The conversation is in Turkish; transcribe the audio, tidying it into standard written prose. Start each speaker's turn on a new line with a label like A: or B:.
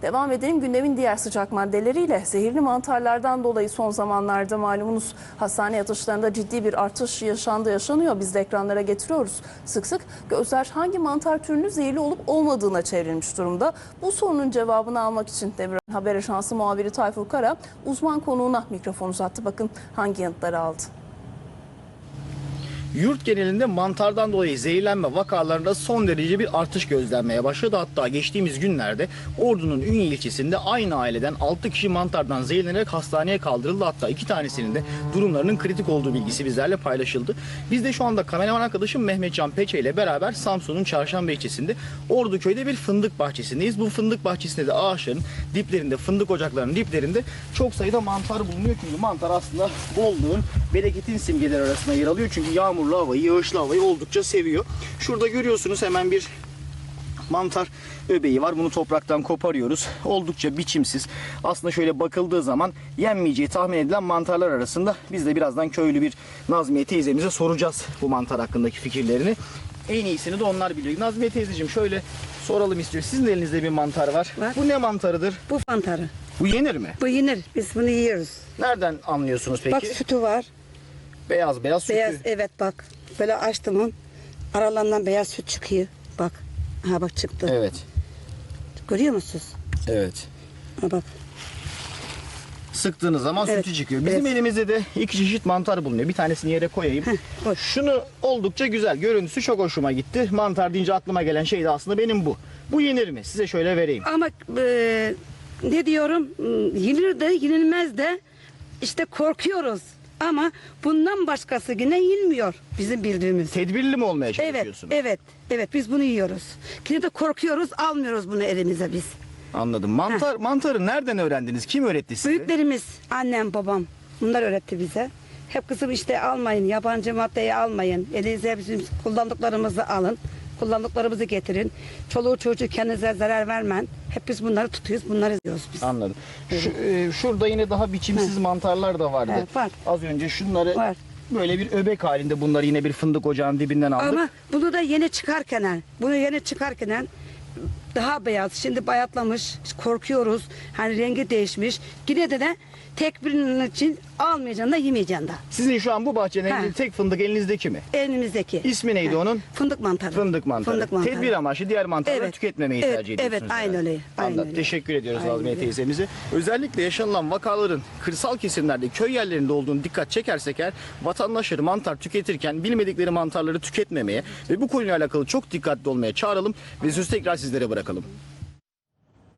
A: Devam edelim gündemin diğer sıcak maddeleriyle. Zehirli mantarlardan dolayı son zamanlarda malumunuz hastane yatışlarında ciddi bir artış yaşanıyor. Biz de ekranlara getiriyoruz. Sık sık gözler hangi mantar türünün zehirli olup olmadığına çevrilmiş durumda. Bu sorunun cevabını almak için Devran Haber Ajansı muhabiri Tayfur Kara uzman konuğuna mikrofon uzattı. Bakın hangi yanıtları aldı.
B: Yurt genelinde mantardan dolayı zehirlenme vakalarında son derece bir artış gözlenmeye başladı. Hatta geçtiğimiz günlerde Ordu'nun Ünye ilçesinde aynı aileden 6 kişi mantardan zehirlenerek hastaneye kaldırıldı. Hatta 2 tanesinin de durumlarının kritik olduğu bilgisi bizlerle paylaşıldı. Biz de şu anda kameraman arkadaşım Mehmetcan Peçe ile beraber Samsun'un Çarşamba ilçesinde Orduköy'de bir fındık bahçesindeyiz. Bu fındık bahçesinde de ağaçların diplerinde, fındık ocaklarının diplerinde çok sayıda mantar bulunuyor. Çünkü mantar aslında bolluğun, bereketin simgeleri arasında yer alıyor. Çünkü yağmurlu havayı, yağışlı havayı oldukça seviyor. Şurada görüyorsunuz hemen bir mantar öbeği var. Bunu topraktan koparıyoruz. Oldukça biçimsiz. Aslında şöyle bakıldığı zaman yenmeyeceği tahmin edilen mantarlar arasında. Biz de birazdan köylü bir Nazmiye teyzemize soracağız bu mantar hakkındaki fikirlerini. En iyisini de onlar biliyor. Nazmiye teyzeciğim şöyle soralım istiyor. Sizin elinizde bir mantar var. Bu ne mantarıdır?
C: Bu mantarı.
B: Bu yenir mi?
C: Bu yenir. Biz bunu yiyoruz.
B: Nereden anlıyorsunuz peki?
C: Bak sütü var.
B: Beyaz beyaz sütü.
C: Beyaz, evet bak. Böyle açtım onu. Aralarından beyaz süt çıkıyor. Bak. Ha bak çıktı.
B: Evet.
C: Görüyor musunuz?
B: Evet.
C: Ha bak.
B: Sıktığınız zaman
C: Evet,
B: sütü çıkıyor. Bizim elimizde de 2 çeşit mantar bulunuyor. Bir tanesini yere koyayım.
C: Koy.
B: Şunu oldukça güzel. Görüntüsü çok hoşuma gitti. Mantar deyince aklıma gelen şey de aslında benim bu. Bu yenir mi? Size şöyle vereyim.
C: Ama ne diyorum? Yenir de yenilmez de işte korkuyoruz. Ama bundan başkası yine yenmiyor bizim bildiğimiz.
B: Tedbirli mi olmaya
C: Evet,
B: çalışıyorsunuz?
C: evet biz bunu yiyoruz. Yine de korkuyoruz, almıyoruz bunu elimize biz.
B: Anladım. Mantarı nereden öğrendiniz? Kim öğretti size?
C: Büyüklerimiz, annem, babam bunlar öğretti bize. Hep kızım işte almayın, yabancı maddeyi almayın. Elinize bizim kullandıklarımızı alın. Kullandıklarımızı getirin. Çoluğu çocuğu kendinize zarar vermeyin. Hep biz bunları tutuyoruz, bunları yiyoruz biz.
B: Anladım. Şurada yine daha biçimsiz mantarlar da vardı.
C: Evet, var.
B: Az önce şunları
C: Var.
B: böyle bir öbek halinde bunları yine bir fındık ocağının dibinden aldık.
C: Ama bunu da yeni çıkarken daha beyaz. Şimdi bayatlamış. Korkuyoruz. Hani rengi değişmiş. Yine de tek birinin için almayacaksın da yemeyeceksin da.
B: Sizin şu an bu bahçenin
C: Ha.
B: tek fındık elinizdeki mi?
C: Elimizdeki.
B: İsmi neydi onun?
C: Fındık mantarı.
B: Fındık mantarı.
C: Fındık mantarı.
B: Tedbir amaçlı diğer mantarları
C: Evet.
B: tüketmemeyi
C: Evet,
B: tercih ediyorsunuz.
C: evet, aynen
B: herhalde.
C: öyle, aynen
B: Anladım.
C: öyle.
B: Teşekkür ediyoruz
C: Aynen
B: Nazmiye
C: öyle.
B: teyzemize. Özellikle yaşanılan vakaların kırsal kesimlerde, köy yerlerinde olduğunu dikkat çekersek eğer vatandaşları mantar tüketirken bilmedikleri mantarları tüketmemeye ve bu konuyla alakalı çok dikkatli olmaya çağıralım ve sözü tekrar sizlere bırakalım.